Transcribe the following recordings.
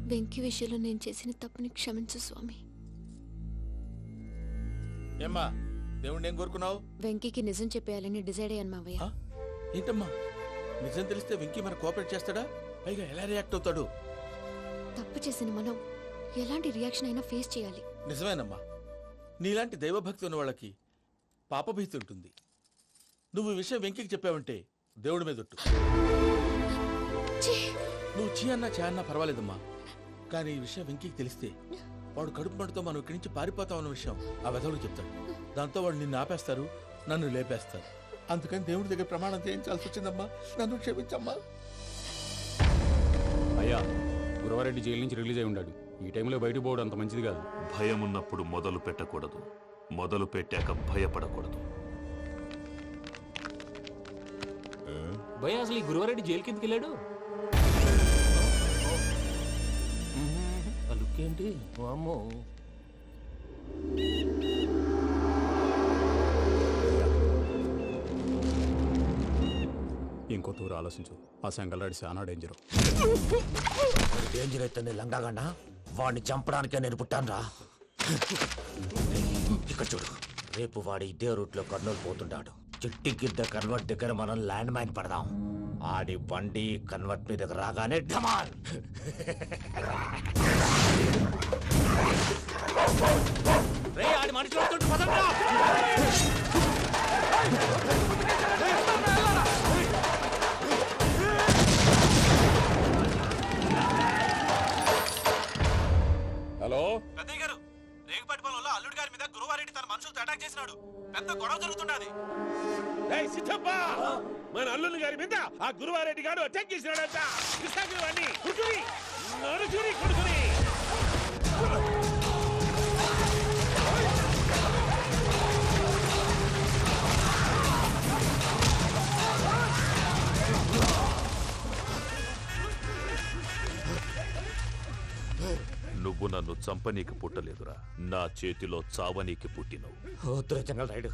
వెంకీ విషయంలో నేను చేసిన తప్పుని క్షమించు స్వామి. ఏమ్మా దేవుణ్ణి ఏం కోరుకున్నావు? వెంకీకి నిజం చెప్పేయాలని డిసైడ్ అయ్యాను మావయ్య. ఏంటమ్మా నిజం తెలిస్తే వెంకీ మన కోఆపరేట్ చేస్తాడా? పైగా ఎలా రియాక్ట్ అవుతాడు? తప్పు చేసిన మనం ఎలాంటి రియాక్షన్ అయినా ఫేస్ చేయాలి. నిజమేనమ్మా, నీలాంటి దైవభక్తి ఉన్న వాళ్ళకి పాపభీతి ఉంటుంది. నువ్వు ఈ విషయం వెంకీకి చెప్పావంటే దేవుడి మీద ఒట్టు. నువ్వు చీ అన్నా చే అన్నా పర్వాలేదమ్మా, కానీ ఈ విషయం వెంకీకి తెలిస్తే వాడు కడుపు మంటతో మనం ఇక్కడి నుంచి పారిపోతాం అన్న విషయం ఆ వెధవుడు చెప్తాడు. దాంతో వాడు నిన్ను ఆపేస్తారు, నన్ను లేపేస్తారు. అందుకని దేవుడి దగ్గర ప్రమాణం చేయించాల్సి వచ్చిందమ్మా, నన్ను క్షమించమ్మా. అయ్యా, గురవారెడ్డి జైలు నుంచి రిలీజ్ అయి ఉన్నాడు. ఈ టైంలో బయటకు పోవడం అంత మంచిది కాదు. భయం ఉన్నప్పుడు మొదలు పెట్టకూడదు, మొదలు పెట్టాక భయపడకూడదు. భయ అసలు ఈ గురువారెడ్డి జైలు కిందకి వెళ్ళాడు. ఏంటి అమ్మో, ఇంకో తూరు ఆలోచించు. ఆ సంగల్రాడి చాలా డేంజర్. డేంజర్ అయితే లంగాగండ వాడిని చంపడానికే నేను పుట్టాను రా. ఇక్కడ చూడు, రేపు వాడు ఇదే రూట్ లో కర్నూలు పోతుంటాడు. చిట్టి గిద్ద కన్వర్ట్ దగ్గర మనం ల్యాండ్ మైన్ పడదాం. ఆడి బండి కన్వర్ట్ మీద రాగానే ఢమాల్. ఆడి మనిషి వస్తుంటే పదండ్రా. హలో పెద్దయ్య గారు, రేగుపాటి పొలంలో అల్లుడి గారి మీద గురువారెడ్డి తన మనుషులతో అటాక్ చేసినాడు. పెద్ద గొడవ జరుగుతున్నది. మన అల్లుడి గారి మీద ఆ గురువారెడ్డి గారు అటాక్ చేసినాడంట. నువ్వు నన్ను చంపనీకి పుట్టలేదురా, నా చేతిలో చావనీకి పుట్టినవు. వద్దురా జంగల్ రైడ్.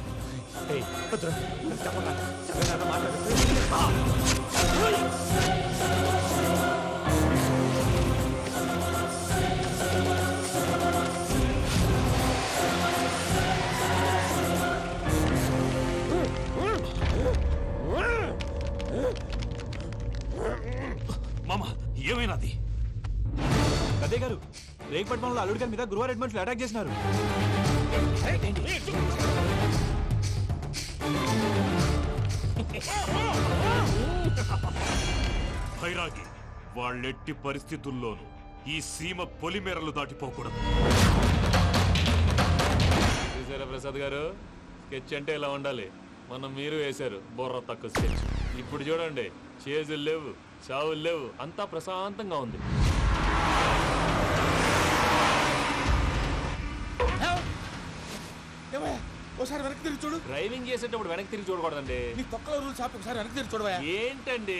మామ ఏమైనాది? పెద్దయ్య గారు, రేగుపాటి పొలంలో అల్లుడి గారి మీద గురువారెడ్డి మనుషులు అటాక్ చేసినారు. భైరాగి, వాళ్ళెట్టి పరిస్థితుల్లోనూ ఈ సీమ పొలిమేరలు దాటిపోకూడదు. చూసారా ప్రసాద్ గారు, స్కెచ్ అంటే ఇలా ఉండాలి. మనం మీరు వేశారు బొర్ర తక్కువ స్కెచ్. ఇప్పుడు చూడండి, చేజులు లేవు, చావులు లేవు, అంతా ప్రశాంతంగా ఉంది. ఒకసారి వెనక్కి తిరిగి చూడు. డ్రైవింగ్ చేసేటప్పుడు వెనక్కి తిరిగి చూడకూడదండి. నీ తొక్కలో రూల్స్ ఆపి ఒకసారి వెనక్కి తిరిగి చూడవా. ఏంటండి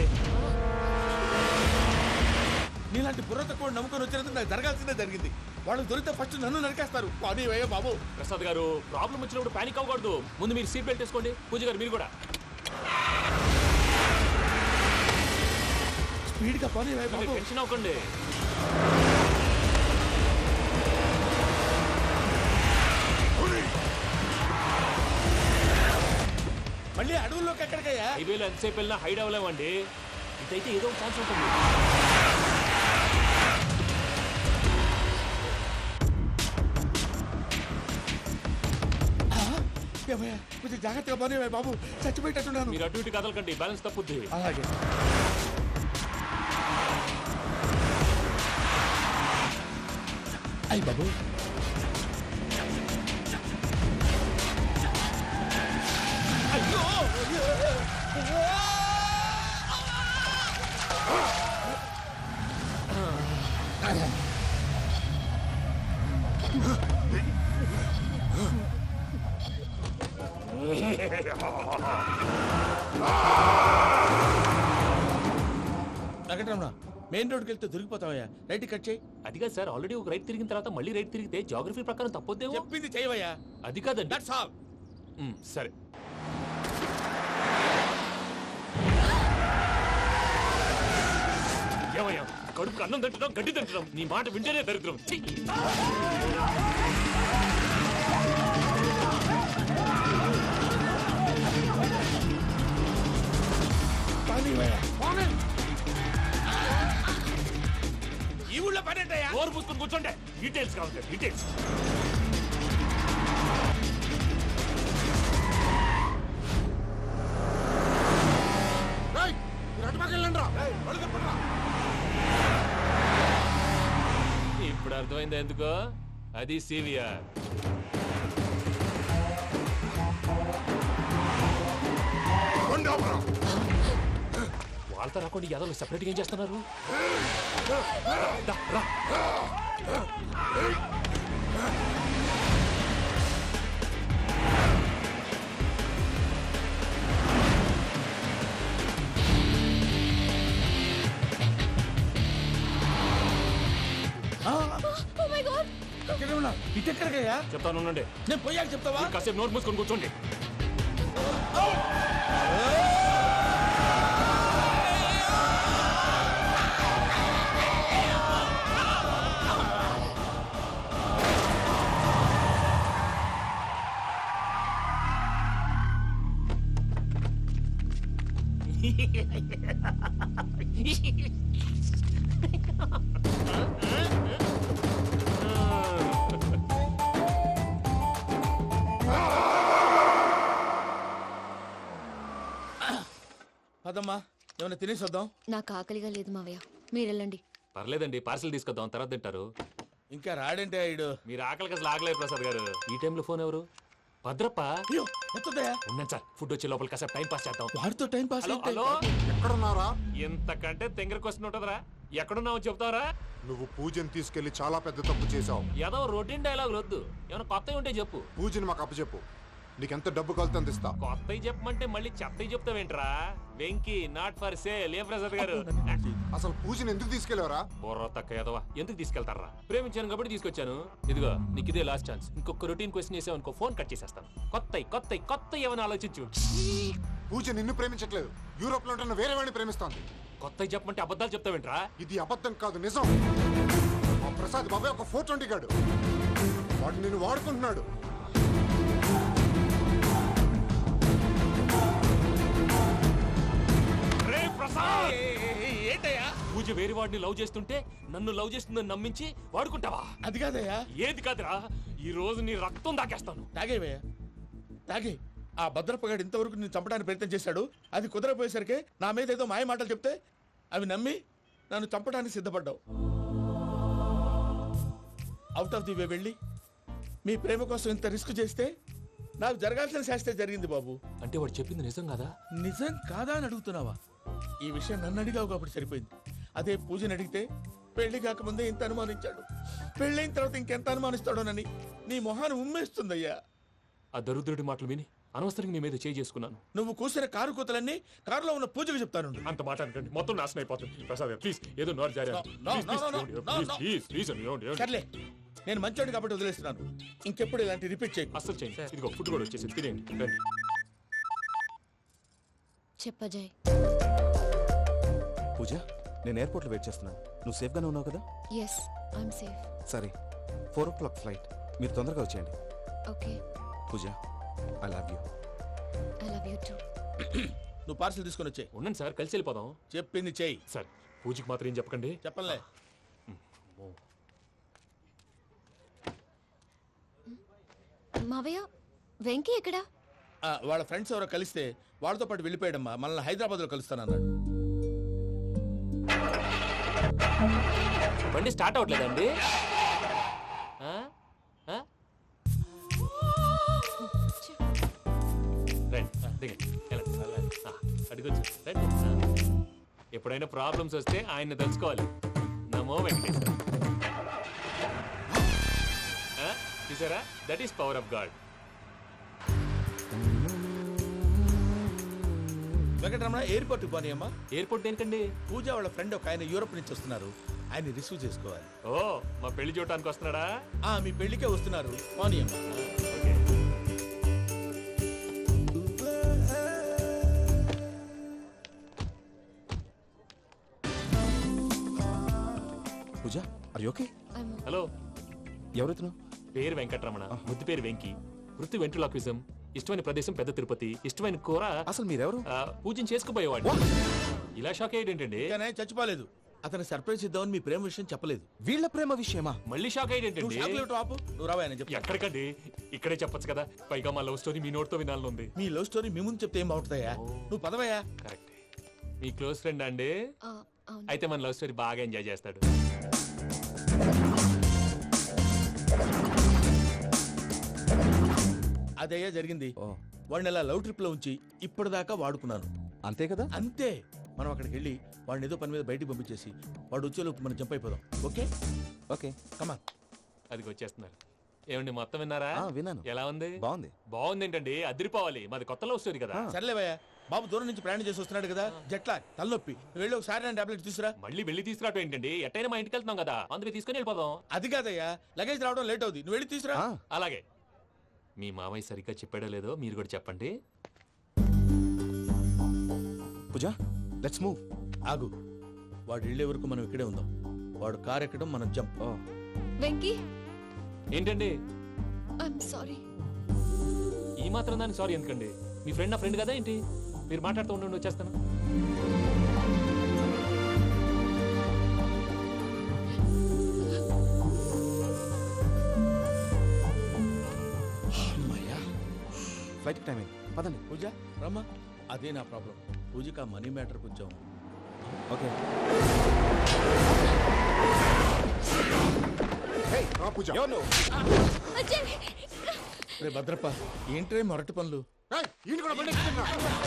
నీలాంటి బుర్ర తక్కువ నమ్ముకొని వచ్చినందుకు నాకు జరగాల్సిందే జరిగింది. వాళ్ళు దొరికితే ఫస్ట్ నన్ను నరికేస్తారు. అయ్యో బాబు. ప్రసాద్ గారు, ప్రాబ్లం వచ్చినప్పుడు పానిక్ అవ్వకూడదు. ముందు మీరు సీట్ బెల్ట్ వేసుకోండి. పూజ గారు మీరు కూడా స్పీడ్ గా పని టెన్షన్ అవ్వకండి. మళ్ళీ అడవుల్లోకి ఎక్కడికయ్యా? హైవేలో ఎంతసేపు వెళ్ళినా హైడ్ అవ్వలేమండి. ఇదైతే ఏదో ఒక ఛాన్స్ ఉంటుంది. కొంచెం జాగ్రత్తగా పని బాబు, చచ్చిపోయేటట్టున్నాను. మీరు అటు ఇటు కదలకండి, బ్యాలెన్స్ తప్పుద్ది. అలాగే. అయ్యి బాబు, అయ్యో వెంకటరమణ, మెయిన్ రోడ్కి వెళ్తే దొరికిపోతావయ్యా. రైట్ కట్ చేయి. అది కాదు సార్, ఆల్రెడీ ఒక రైట్ తిరిగిన తర్వాత మళ్ళీ రైట్ తిరిగితే జాగ్రఫీ ప్రకారం తప్పొద్దేమో. చెప్పింది చేయవయ్యా. అది కాదండి. That's all. సరే. ఏమయ్యా కడుపు అన్నం తింటున్నాం గడ్డి తింటున్నాం నీ మాట వింటేనే దరిద్రం ఛీ! ఈ ఊళ్ళో పనేటయ్యా? నోరు పూసుకొని కూర్చోండి డీటెయిల్స్ కావాలి డీటెయిల్స్. ఇప్పుడు అర్థమైంది ఎందుకో అది సివిఆర్. వాళ్ళతో రాకుండా యాదవ్ సెపరేట్గా ఏం చేస్తున్నారు? దా, రా. ఎక్కడే ఉన్నా? ఇటు ఎక్కడికయ్యా? చెప్తాను ఉండండి. నేను పోయాక చెప్తావా? కాసేపు నోట్ మూసుకొని కూర్చోండి. పదమ్మా, ఏమైనా తినేసి వద్దాం. నాకు ఆకలిగా లేదు మావయ్య, మీరు వెళ్ళండి. పర్లేదండి, పార్సల్ తీసుకొద్దాం, తర్వాత తింటారు. ఇంకా రాడంటే ఆయుడు. మీరు ఆకలికి అసలు ఆగలేదు ప్రసాద్ గారు. ఈ టైంలో ఫోన్ ఎవరు? భద్రప్ప. అయ్యో వస్తుందయ్యా? ఉన్నాను సార్, ఫుడ్ వచ్చే లోపల కాసేపు టైం పాస్ చేద్దాం. వాడితో టైం పాస్ హలో అయితే హలో, ఎక్కడున్నారా? ఇంతకంటే తెంగర క్వశ్చన్ ఉంటుందిరా. ఎక్కడున్నావు చెప్తావరా? నువ్వు పూజని తీసుకెళ్లి చాలా పెద్ద తప్పు చేశావు. ఏదో రొటీన్ డైలాగ్ వద్దు, ఏమైనా కొత్తవి ఉంటే చెప్పు. పూజని మాకు అప్పచెప్పు, నీకెంత డబ్బు కలితే అంత ఇస్తా. కొత్తవి చెప్పమంటే మళ్ళీ చెత్తవి చెప్తావేంట్రా? Venky not for sale. ఏ ప్రసాద్ గారు? అసలు పూజని ఎందుకు తీసుకెళ్లేవరా? బుర్ర తక్క ఏదవా, ఎందుకు తీసుకెళ్తారా? ప్రేమించాను కాబట్టి తీసుకొచ్చాను. ఇదిగో నీకు ఇదే లాస్ట్ ఛాన్స్. ఇంకొక రొటీన్ క్వశ్చన్ చేసావు అనుకో, ఫోన్ కట్ చేసేస్తాను. కొత్త ఏమైనా ఆలోచించు. పూజ నిన్ను ప్రేమించట్లేదు, యూరోప్ లో ఉంటున్న వేరే వాడిని ప్రేమిస్తోంది. కొత్తవి చెప్పమంటే అబద్ధాలు చెప్తావేంట్రా? ఇది అబద్ధం కాదు, నిజం. ఆ ప్రసాద్ బాబాయ్ ఒక 420 గాడు, వాడు నిన్ను వాడుకుంటున్నాడు. ఏంటయ్యా? పూజ వేరే వాడిని లవ్ చేస్తుంటే నన్ను లవ్ చేస్తుందని నమ్మించి వాడుకుంటావా? అది కాదయ్యా. ఏది కాదురా, ఈ రోజు నీ రక్తం దాకేస్తాను. తాగేవయ్యా, తాగే. ఆ భద్రపగాడు ఇంతవరకు నేను చంపడానికి ప్రయత్నం చేశాడు. అది కుదరపోయేసరికి నా మీద ఏదో మాయ మాటలు చెప్తే అవి నమ్మి నన్ను చంపడానికి సిద్ధపడ్డావు. అవుట్ ఆఫ్ ది వే వెళ్ళి మీ ప్రేమ కోసం ఇంత రిస్క్ చేస్తే నాకు జరగాల్సిన శాస్త్రే జరిగింది బాబు. అంటే వాడు చెప్పింది నిజం కదా? నిజం కాదా అని అడుగుతున్నావా? ఈ విషయం నన్ను అడిగావు కాబట్టి సరిపోయింది. అదే పూజని అడిగితే పెళ్లి కాకముందే ఇంత అనుమానించాడు, పెళ్ళైన తర్వాత ఇంకెంత అనుమానిస్తాడోనని నీ మొహాన్ని ఉమ్మేస్తుందయ్యా. ఆ దరిద్రుడి మాటలు విని అనవసరంగా నీ మీద చేయి చేసుకున్నాను. నువ్వు కూసిన కారు కూతలన్నీ కారులో ఉన్న పూజకు చెప్తాను. అంత మాట అనకండి, మొత్తం నాశనం అయిపోతుంది. ప్రసాద్ ప్లీజ్, ఏదో నోరు జారీ. సర్లే, నేను మంచోడు కాబట్టి వదిలేస్తున్నాను. ఇంకెప్పుడు ఇలాంటి రిపీట్ చేయకు. అస్సలు చేయండి. ఇదిగో ఫుడ్ కూడా వచ్చేసి తినేయండి. రండి. చెప్పజాయ్. పూజ, నేను ఎయిర్పోర్ట్లో వెయిట్ చేస్తున్నాను. నువ్వు సేఫ్గానే ఉన్నావు కదా? Yes, I'm safe. సరే, 4 o'clock ఫ్లైట్. మీరు తొందరగా వచ్చేయండి. Okay. Pooja, I love you. I love you too. నువ్వు పార్సల్ తీసుకొని వచ్చే. ఉండండి సార్, కలిసి వెళ్ళిపోదాం. చెప్పింది చెయ్యి. సార్, పూజకి మాత్రం ఏం చెప్పకండి. చెప్పలే. మావయ్య, వెంకీ ఎక్కడా? వాళ్ళ ఫ్రెండ్స్ ఎవరో కలిస్తే వాళ్ళతో పాటు వెళ్ళిపోయాడమ్మా. మనల్ని హైదరాబాద్లో కలుస్తానన్నాడు. బండి స్టార్ట్ అవ్వట్లేదండి. అడిగొచ్చు. రండి. ఎప్పుడైనా ప్రాబ్లమ్స్ వస్తే ఆయన్ని తెలుసుకోవాలి. నమో వెంకటేశ్వర. చూసారా, that is power of god. Venkataramana, ఎయిర్పోర్ట్కి పోనీ అమ్మా. ఎయిర్పోర్ట్ దేనికండి? పూజ వాళ్ళ ఫ్రెండ్ ఒక ఆయన యూరోప్ నుంచి వస్తున్నారు, ఆయన రిసీవ్ చేసుకోవాలి. ఓ, మా పెళ్లి చూడటానికి వస్తున్నాడా? మీ పెళ్లికే వస్తున్నారు, పోనీ అమ్మా. Okay. Pooja are you okay? Hello, ఎవరైతును? పేరు వెంకటరమణ, ముద్దు పేరు వెంకి, వృత్తి వెంట్రులాక్విజం, ఇష్టమైన ప్రదేశం పెద్ద తిరుపతి, ఇష్టమైన కూర అసలు మీరెవరు? పూజను చేసుకుపోయేవాడు. ఇలా షాక్ అయ్యేటండి. కానీ చచ్చిపోలేదు. అతను సర్ప్రైజ్ ఇద్దామని మీ ప్రేమ విషయం చెప్పలేదు. వీళ్ళ ప్రేమ విషయమా? మళ్ళీ షాక్ నువ్వు అయ్యేటండి. చాక్లెట్ ఆపు, నువ్వు రావా అని చెప్పి. ఎక్కడికండి, ఇక్కడే చెప్పొచ్చు కదా. పైగా మా లవ్ స్టోరీ మీ నోట్తో వినాలని ఉంది. మీ లవ్ స్టోరీ మీ ముందు చెప్తే ఏం బాగుంటుందయ్యా? నువ్వు పదవయ్యా. కరెక్ట్. మీ క్లోజ్ ఫ్రెండ్ అండి? అయితే మన లవ్ స్టోరీ బాగా ఎంజాయ్ చేస్తాడు. అదయ్యా జరిగింది. వాడిని అలా లవ్ ట్రిప్ లో ఉంచి ఇప్పటిదాకా వాడుకున్నాను. అంతే కదా? అంతే. మనం అక్కడికి వెళ్ళి వాడిని ఏదో పని మీద బయటికి పంపించేసి వాడు వచ్చేలోపు మనం జంప్ అయిపోదాం. ఓకే ఓకే కమా. అది వచ్చేస్తున్నారు. ఏమండి మొత్తం విన్నారా? విన్నాను. ఎలా ఉంది? బాగుంది. బాగుంది ఏంటండి, అదిరిపోవాలి. మాది కొత్త లవ్ స్టోరీ కదా. సర్లేవయ్యా, బాబు దూరం నుంచి ప్రయాణం చేసి వస్తున్నాడు కదా, జట్లా తలనొప్పి. నువ్వు వెళ్ళి ఒకసారి నా టాబ్లెట్ తీసుకురా. మళ్ళీ వెళ్ళి తీసుకురావటం ఏంటండి? ఎట్టైనా మా ఇంటికి వెళ్తున్నాం కదా, అందుకే తీసుకొని వెళ్ళిపోదాం. అది కాదయ్యా, లగేజ్ రావడం లేట్ అవుతుంది. నువ్వు వెళ్ళి తీసుకురా. అలాగే. మీ మామయ్య సరిగ్గా చెప్పాడో లేదో మీరు కూడా చెప్పండి. Pooja let's move. ఆగు, వాడు వెళ్ళే వరకు మనం ఇక్కడే ఉందాం. వాడు కార్ ఎక్కడం, మనం జంప్. వెంకీ, ఏంటండి ఐఎమ్ సారీ. ఈ మాత్రం దానికి సారీ ఎందుకండి? మీ ఫ్రెండ్ నా ఫ్రెండ్ కదా ఏంటి? మీరు మాట్లాడుతూ ఉండండి, వచ్చేస్తాను. ఫ్లైట్ టైం అయింది, పదండి. పూజ రమ్మా. అదే నా ప్రాబ్లం. పూజకి ఆ మనీ మ్యాటర్ కొంచెం. ఓకే పూజ. రే భద్రప్ప, ఏంట్రే మొరటి పనులు? ఈయన కూడా బండి ఎక్కుతున్నా.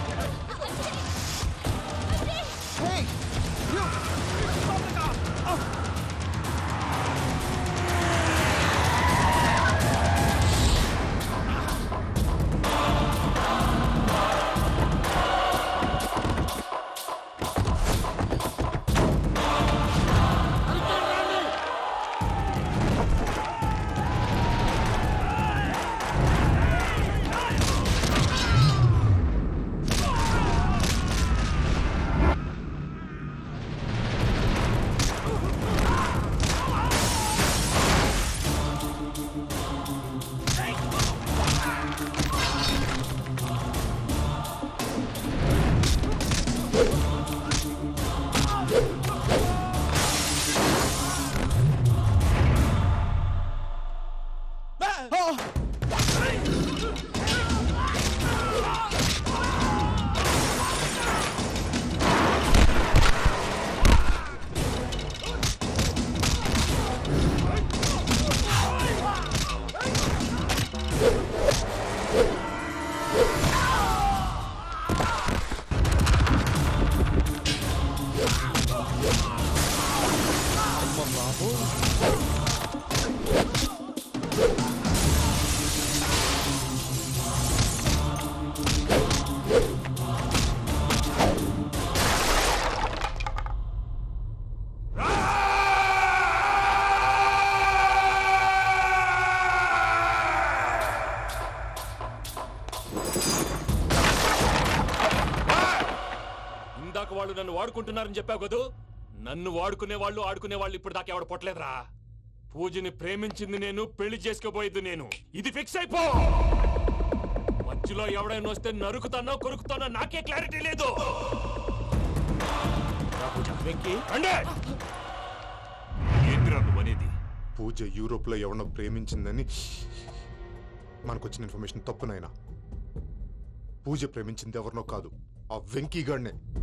ఇందాక వాళ్ళు నన్ను వాడుకుంటున్నారని చెప్పావు కదూ. నన్ను వాడుకునే వాళ్ళు ఆడుకునే వాళ్ళు ఇప్పుడు దాకా ఎవడ పొట్టలేదురా. పూజని ప్రేమించింది నేను, పెళ్లి చేసుకోబోయేది నేను. ఇది ఫిక్స్ అయిపో. మధ్యలో ఎవడైనా వస్తే నరుకుతానో కొరుకుతానో నాకే క్లారిటీ లేదు. ఏంటిరా నువ్వనేది? పూజ యూరోప్ లో ఎవరినో ప్రేమించిందని మనకొచ్చిన ఇన్ఫర్మేషన్ తప్పునైనా. పూజ ప్రేమించింది ఎవరినో కాదు, ఆ వెంకీ గాడినే.